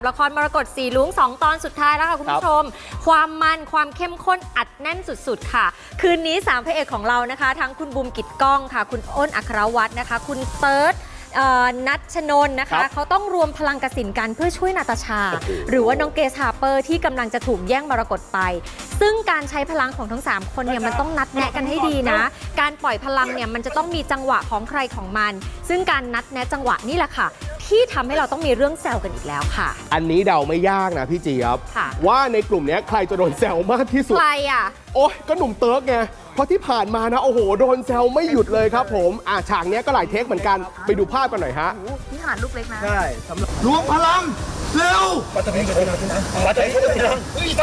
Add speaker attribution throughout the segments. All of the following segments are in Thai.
Speaker 1: ละครมรกตสีลุ้ง2 ตอนสุดท้ายแล้วค่ะคุณผู้ชมความมันความเข้มข้นอัดแน่นสุดๆค่ะคืนนี้3พระเอกของเรานะคะทั้งคุณบูมกิจก้องค่ะคุณอ้นอัครวัฒน์นะคะคุณเติร์ดนัชนนท์นะคะเขาต้องรวมพลังกสินกันเพื่อช่วยนาตาชาหรือว่าน้องเกสฮาร์เปอร์ที่กำลังจะถูกแย่งมรกตไปซึ่งการใช้พลังของทั้ง3คนเนี่ยมันต้องนัดแนะกันให้ดีนะการปล่อยพลังเนี่ยมันจะต้องมีจังหวะของใครของมันซึ่งการนัดแนะจังหวะนี่แหละค่ะที่ทำให้เราต้องมีเรื่องแซวกันอีกแล้วค่ะ
Speaker 2: อันนี้เดาไม่ยากนะพี่เจี๊ยบว่าในกลุ่มนี้ใครจะโดนแซวมากที่สุด
Speaker 1: ใครอ่ะ
Speaker 2: โอ้ยก็หนุ่มเติร์กไงเพราะที่ผ่านมานะโอ้โหโดนแซวไม่หยุดเลยครับผมฉากนี้ก็หลายเทคเหมือนกันไปดูภาพกันหน่อยฮะ
Speaker 1: นี่หารลูกเล็กนะ
Speaker 3: ใช่รวมพลังเร็วมาตะพิงกับพี่นะมาตะพิงกับพี่นะ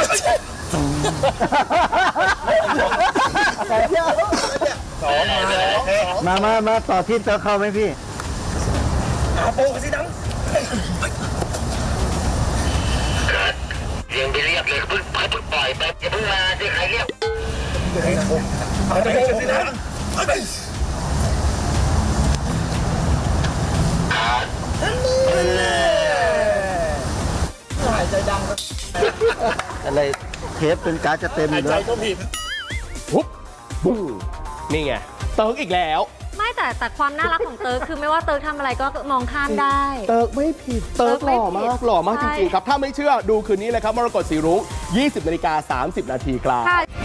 Speaker 4: มาต่อที่เตอเข้าไหมพี่
Speaker 3: อาโปกันสินัง
Speaker 5: ยังไปเรียกเลยเพิ่งปล่อยไปอย่าเพิ่งมาที่ใครเรียก
Speaker 3: มาตะพิงกับพี่นะหายใจดัง
Speaker 4: อะไรเทปเป็นการจะเต็มเลย
Speaker 2: ปุ๊บบุ้งนี่ไงเติร์กอีกแล้ว
Speaker 1: ไม่แต่ความน่ารักของเติร์กคือไม่ว่าเติร์กทำอะไรก็มองข้ามได้
Speaker 2: เติร์กไม่ผิดเติร์กหล่อมากจริงๆครับถ้าไม่เชื่อดูคืนนี้เลยครับมรกตสีรุ้ง 20:30 น. ครับ